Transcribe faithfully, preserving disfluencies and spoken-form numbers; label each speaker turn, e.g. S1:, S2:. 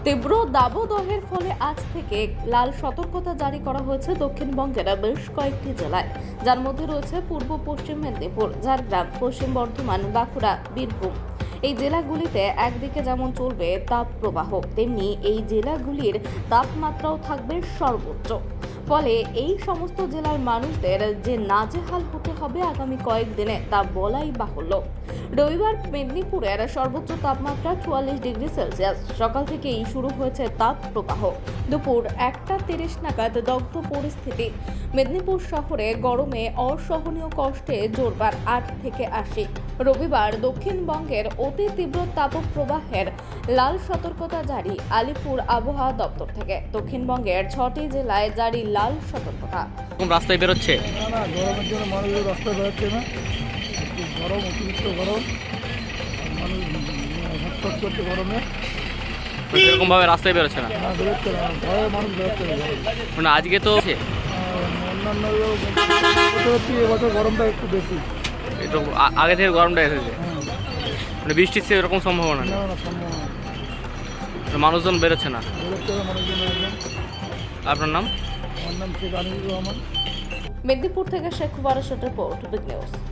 S1: তীব্র দাবদাহের ফলে আজ থেকে লাল সতর্কতা জারি করা হয়েছে দক্ষিণবঙ্গের বেশ কয়েকটি জেলায়, যার মধ্যে রয়েছে পূর্ব পশ্চিম মেদিনীপুর, ঝাড়গ্রাম, পশ্চিম বর্ধমান, বাঁকুড়া, বীরভূম। এই জেলাগুলিতে একদিকে যেমন চলবে তাপ প্রবাহ, তেমনি এই জেলাগুলির তাপমাত্রাও থাকবে সর্বোচ্চ। ফলে এই সমস্ত জেলার মানুষদের যে নাজেহাল হতে হবে আগামী কয়েকদিনে তা বলাই বাহুল্য। রবিবার মেদিনীপুরের সর্বোচ্চ তাপমাত্রা চুয়াল্লিশ ডিগ্রি সেলসিয়াস। সকাল থেকেই শুরু হয়েছে তাপ প্রবাহ। দুপুর একটা তিরিশ নাগাদ দগ্ধ পরিস্থিতি। মেদিনীপুর শহরে গরমে অসহনীয় কষ্টে জোরবার আট থেকে আশি। রবিবার দক্ষিণবঙ্গের অতি তীব্র তাপপ্রবাহের লাল সতর্কতা জারি আলিপুর আবহাওয়া দপ্তর থেকে। দক্ষিণবঙ্গের ছটি জেলায় জারি লাল সতর্কতা।
S2: কোন রাস্তায় বেরোচ্ছে?
S3: না না গরমের জন্য মানুষের রাস্তায় বেরোচ্ছে না। একটু গরম, অতিরিক্ত গরম, মানুষ হটফট করছে গরমে।
S2: সেরকম ভাবে রাস্তায় বেরোচ্ছে না,
S3: না বেরোচ্ছে না, ভয়ে মানুষ বেরোচ্ছে না গরমে।
S2: মানে আজকে তো আছে,
S3: আর অন্যান্য বছর হচ্ছে এবছর গরমটা একটু বেশি।
S2: একটু আ- আগে থেকে গরমটা এসেছে,
S3: হ্যাঁ,
S2: মানে বৃষ্টির সেরকম সম্ভাবনা নেই,
S3: না না সম্ভব না,
S2: মানে মানুষজন বেরোচ্ছে না।
S3: বেরোচ্ছে না মানুষজন একদম।
S2: আপনার নাম?
S3: আমার নাম শেখ আনিসুর রহমান।
S1: মেদিনীপুর থেকে শেখ ওয়ারেশের রিপোর্ট, বিগ নিউজ।